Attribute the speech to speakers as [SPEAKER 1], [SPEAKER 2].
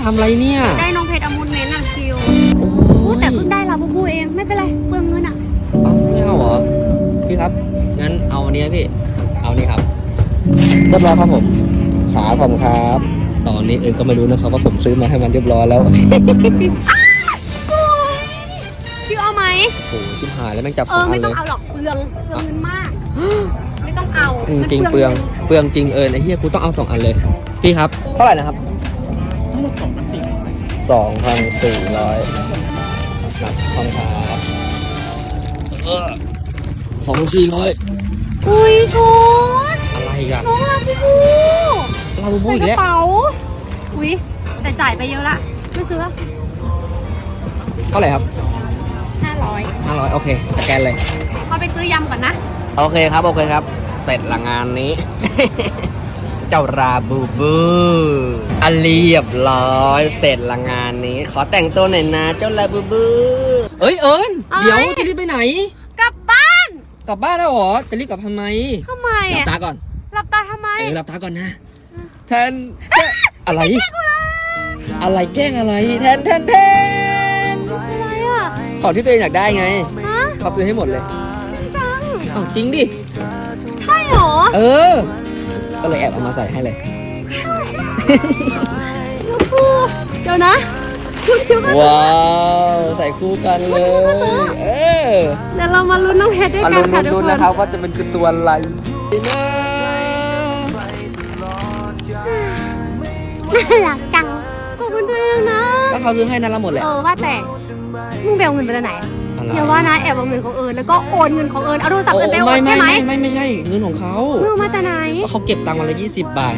[SPEAKER 1] ทำอะไรเนี่ย
[SPEAKER 2] ได้น้องเพชรอมูลเมนต์อะคิว
[SPEAKER 1] โอ้ย
[SPEAKER 2] แต่เพิ่งได้ลาบูบูเองไม่เป็นไรเปลืองเงินอะ
[SPEAKER 1] เอาไม่เอาเหรอพี่ครับงั้นเอาอันนี้พี่เอานี่ครับเรียบร้อยครับผมขาผมครับตอนนี้ก็ไม่รู้นะครับว่าผมซื้อมาให้มันเรียบร้อยแล้ว
[SPEAKER 2] คิวเอาไหม
[SPEAKER 1] โอ้โหชิบหายแล้วแม่งจับของอั
[SPEAKER 2] ไม่
[SPEAKER 1] น
[SPEAKER 2] ต้
[SPEAKER 1] เล
[SPEAKER 2] อง
[SPEAKER 1] ย
[SPEAKER 2] เอาหรอกเปลืองเงินมาก ไม่ต้องเอา
[SPEAKER 1] จริงเปลืองจริงไอ้เหี้ยกูต้องเอา2 อันเลยพี่ครับเท่าไหร่นะครับทั้งหมด2,400ครับขอบคุณครับ2,400
[SPEAKER 2] อุ้ยชุด
[SPEAKER 1] อะไรกัน
[SPEAKER 2] น้องลาบูบู
[SPEAKER 1] ลาบูบู
[SPEAKER 2] ใส่
[SPEAKER 1] อี
[SPEAKER 2] ก
[SPEAKER 1] ก
[SPEAKER 2] ระ
[SPEAKER 1] แล้ว
[SPEAKER 2] เป๋าอุ้ยแต่จ่ายไปเยอะละไม่ซื้อละ
[SPEAKER 1] เท่าไหร่ครับ
[SPEAKER 2] 500
[SPEAKER 1] 500โอเคสแกนเลย
[SPEAKER 2] พอไปซื้อยำก่อนนะ
[SPEAKER 1] โอเคครับเสร็จละงานนี้ เจ้าราบูบูเรียบร้อยเสร็จละงานนี้ ขอแต่งตัวหน่อยนะเจ้าราบูบูเอ้ยเอิญ
[SPEAKER 2] อะไร
[SPEAKER 1] เดี๋ยวจะรีบไปไหน
[SPEAKER 2] กลับบ้าน
[SPEAKER 1] กลับบ้านแล้วเหรอจะรีบกลับทำไม
[SPEAKER 2] ทำไม
[SPEAKER 1] หลับ
[SPEAKER 2] อะ
[SPEAKER 1] ตาก่อน
[SPEAKER 2] หลับตาทำไม
[SPEAKER 1] หลับตาก่อนนะแทนอะไรอะไรแกล้งอะไรแทน
[SPEAKER 2] อะไรอะ
[SPEAKER 1] ของที่ตัวเองอยากได้ไง
[SPEAKER 2] ฮะ
[SPEAKER 1] เขาซื้อให้หมดเลย
[SPEAKER 2] จัง
[SPEAKER 1] เอาจริงดิ
[SPEAKER 2] ใช่เหรอ
[SPEAKER 1] ก็เลยแอบเอามาใส่ให้เลย
[SPEAKER 2] เดี๋ยวนะชุดคิวกัน
[SPEAKER 1] ว้าวใส่คู่กันเลย
[SPEAKER 2] เดี๋ยวเรามาลุ้นน้องเพชรด้วย
[SPEAKER 1] มา
[SPEAKER 2] กันค่ะทุก
[SPEAKER 1] ลุ้น
[SPEAKER 2] คน
[SPEAKER 1] นะครับว่าจะเป็นคือตัวอะไรนะ
[SPEAKER 2] น่ารักจังขอบคุณด้วยนะ
[SPEAKER 1] ก็เขาซื้อให้นั่นละหมดแหละ
[SPEAKER 2] ว่าแต่มึงไปเอาเงินไปจากไหน
[SPEAKER 1] อะไร
[SPEAKER 2] อย่าว่านะแอบเอาเงินของเอิญแล้วก็โอนเงินของเอิญเอาโทรศัพท์เอิญไปโอนใช่ไหม
[SPEAKER 1] ไม่ใช่เงินของเขา
[SPEAKER 2] เงินมาจากไหน
[SPEAKER 1] ก็เขาเก็บตังค์วันละ20 บาท